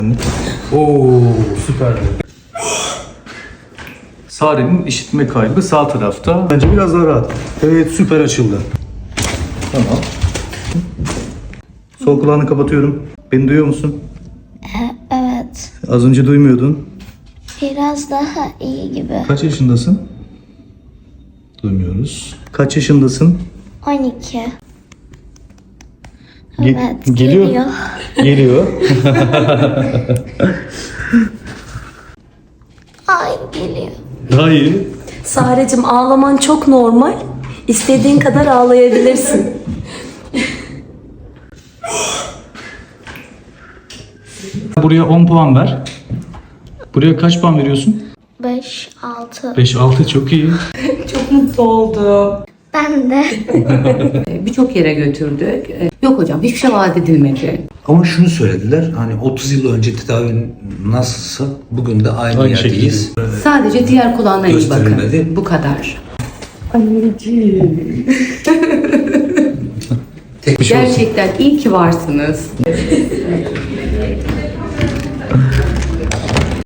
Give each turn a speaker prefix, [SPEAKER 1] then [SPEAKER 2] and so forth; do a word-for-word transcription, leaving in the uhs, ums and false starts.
[SPEAKER 1] Oo süper. Sare'nin işitme kaybı sağ tarafta. Bence biraz daha rahat. Evet, süper açıldı. Tamam. Sol kulağını kapatıyorum. Beni duyuyor musun?
[SPEAKER 2] Evet.
[SPEAKER 1] Az önce duymuyordun.
[SPEAKER 2] Biraz daha iyi gibi.
[SPEAKER 1] Kaç yaşındasın? Duymuyoruz. Kaç yaşındasın?
[SPEAKER 2] on iki.
[SPEAKER 1] Ge-
[SPEAKER 2] Evet,
[SPEAKER 1] geliyor.
[SPEAKER 2] geliyor.
[SPEAKER 1] Geliyor.
[SPEAKER 2] Ay geliyor.
[SPEAKER 1] Daha iyi.
[SPEAKER 3] Sarecim, ağlaman çok normal. İstediğin kadar ağlayabilirsin.
[SPEAKER 1] Buraya on puan ver. Buraya kaç puan veriyorsun?
[SPEAKER 2] beş, altı.
[SPEAKER 1] beş altı çok iyi.
[SPEAKER 3] Çok mutlu oldum.
[SPEAKER 2] Ben de.
[SPEAKER 4] Birçok yere götürdük. Yok hocam, hiçbir şey vaat edilmedi.
[SPEAKER 5] Ama şunu söylediler, hani otuz yıl önce tedavi nasılsa bugün de aynı,
[SPEAKER 1] Aynı
[SPEAKER 5] yerdeyiz.
[SPEAKER 4] Sadece diğer kulağına iyi bakın.
[SPEAKER 5] Gösterilmedi.
[SPEAKER 4] Bu kadar.
[SPEAKER 5] Tek bir şey olsun.
[SPEAKER 4] Gerçekten iyi ki varsınız.